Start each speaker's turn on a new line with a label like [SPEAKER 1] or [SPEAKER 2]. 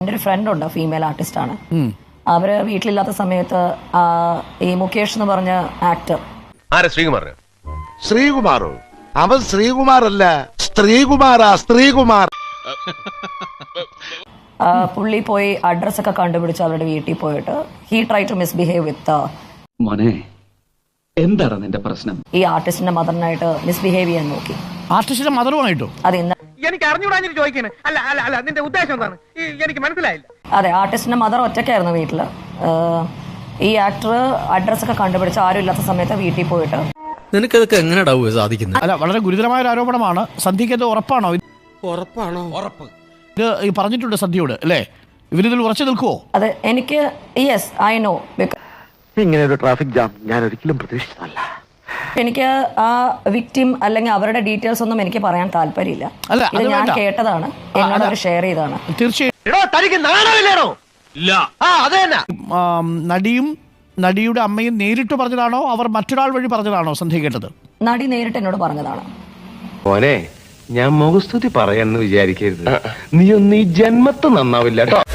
[SPEAKER 1] എൻ്റെ ഒരു ഫ്രണ്ട് ഉണ്ട്, ഫീമെയിൽ ആർട്ടിസ്റ്റ് ആണ്. അവര് വീട്ടിലില്ലാത്ത സമയത്ത് ഈ മുകേഷ് എന്ന് പറഞ്ഞ ആക്ടർ,
[SPEAKER 2] ശ്രീകുമാറോ? അവൻ ശ്രീകുമാറല്ല, സ്ത്രീകുമാർ.
[SPEAKER 1] പുള്ളി പോയി അഡ്രസ് ഒക്കെ കണ്ടുപിടിച്ച് അവരുടെ വീട്ടിൽ പോയിട്ട് he try to misbehave with
[SPEAKER 3] മോനെ, എന്താണ് നിന്റെ പ്രശ്നം?
[SPEAKER 1] ഈ ആർട്ടിസ്റ്റിന്റെ മദറിനായിട്ട് മിസ്ബിഹേവ് ചെയ്യാൻ നോക്കി.
[SPEAKER 4] ആർട്ടിസ്റ്റിന്റെ മദറുമായിട്ടോ?
[SPEAKER 1] അത് ഇന്ന്
[SPEAKER 5] എനിക്ക് അറിഞ്ഞുകൂടാഞ്ഞിട്ട് ചോദിക്കണേ. അല്ല നിന്റെ ഉദ്ദേശം എന്താണ്? എനിക്ക് മനസ്സിലായില്ല.
[SPEAKER 1] അതെ, ആർട്ടിസ്റ്റിന്റെ മദർ ഒറ്റയ്ക്കായിരുന്നു വീട്ടില്. ഈ ആക്ടർ അഡ്രസ് ഒക്കെ കണ്ടുപിടിച്ച് ആരും ഇല്ലാത്ത സമയത്ത് വീട്ടിൽ പോയിട്ട്.
[SPEAKER 6] നിനക്കതൊക്കെ എങ്ങനെയാ സാധിക്കുന്നത്?
[SPEAKER 4] അല്ല, വളരെ ഗുരുതരമായ ഒരു ആരോപണമാണ്. സന്ധ്യയ്ക്ക് അത് ഉറപ്പാണോ?
[SPEAKER 6] ഉറപ്പ്
[SPEAKER 4] ഇത് പറഞ്ഞിട്ടുണ്ട് സന്ധ്യയോട് അല്ലേ? ഇവരിതിൽ ഉറച്ചു നിൽക്കുവോ?
[SPEAKER 1] അത് എനിക്ക് യെസ് ഐ നോ.
[SPEAKER 2] ഇങ്ങനെ ഒരു ട്രാഫിക് ജാം ഞാൻ ഒരിക്കലും പ്രതീക്ഷിച്ചതല്ല.
[SPEAKER 1] എനിക്ക് ആ വിക്ടിം അല്ലെങ്കിൽ അവരുടെ ഡീറ്റെയിൽസ് ഒന്നും എനിക്ക് പറയാൻ താല്പര്യമില്ല.
[SPEAKER 4] അല്ല,
[SPEAKER 1] ഇത് ഞാൻ കേട്ടതാണ്, എന്നോട് അവർ ഷെയർ ചെയ്തതാണ്.
[SPEAKER 4] തീർച്ചയായും നടിയുടെ അമ്മയും നേരിട്ട് പറഞ്ഞതാണോ അവർ മറ്റൊരാൾ വഴി പറഞ്ഞതാണോ സന്ധ്യ കേട്ടത്?
[SPEAKER 1] നടി നേരിട്ട് എന്നോട് പറഞ്ഞതാണ്.
[SPEAKER 7] മോനെ, ഞാൻ മുഖസ്തുതി പറയാന്ന് വിചാരിക്കരുത്. നീ ഒന്നും ഈ ജന്മത്ത് നന്നാവില്ല കേട്ടോ.